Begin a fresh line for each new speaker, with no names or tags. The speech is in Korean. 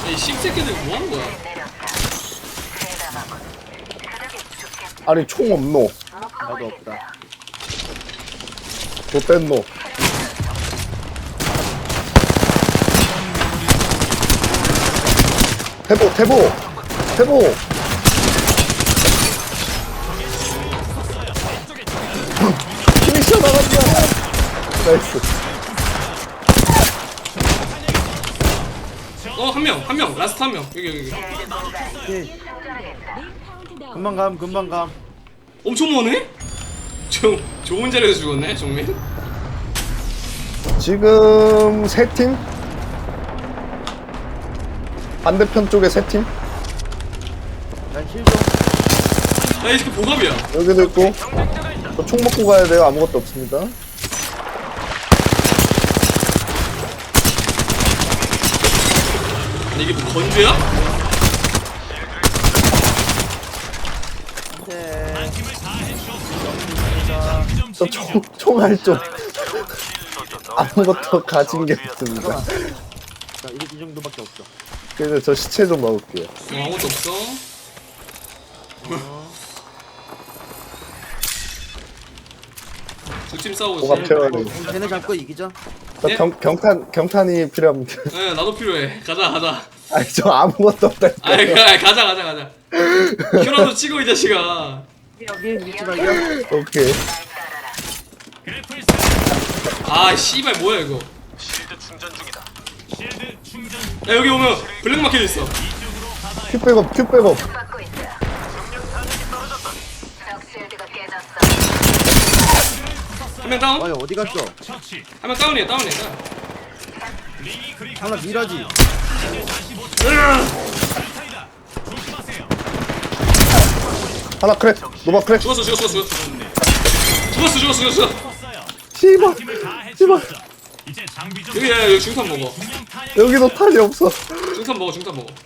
이 씹새끼들 뭐하는 거야?
아니 총 없노.
나도 없다.
좆됐노. 태보. 피니셔 나간다. 나이스.
한 명, 라스트 한 명. 여기.
오케이. 금방 감.
엄청 머네? 좋은 자리에서 죽었네, 정민.
지금 세 팀? 반대편 쪽에 세 팀?
난 실종.
이 새끼 보갑이야.
여기도 있고. 저 총 먹고 가야 돼요. 아무것도 없습니다.
아니, 이게 뭐 건조야?
네.
저 총알 좀 아무것도 가진 게 없습니다.
자, 이 정도밖에 없어.
그래서 저 시체 좀 먹을게요.
아무것도 없어. 두 팀 싸우고 있어.
뭐가 필요하네.
쟤네 잡고 이기죠.
저
네?
경탄이 필요합니다.
네, 나도 필요해. 가자.
아니 저 아무것도 없다니까.
아이, 가자. 큐라도 찍어, 이 자식아.
여기 위치 발견.
오케이.
아, 씨발, 뭐야, 이거. 야, 여기 오면 블랙마켓 있어.
큐 백업.
한 명 다운?
아니 어디 갔어?
한 명 다운이야.
하나 미라지.
하나 크랙. 노바 크랙.
죽었어.
씨발.
여기 중탄 먹어.
여기도 탄이 없어.
중탄 먹어.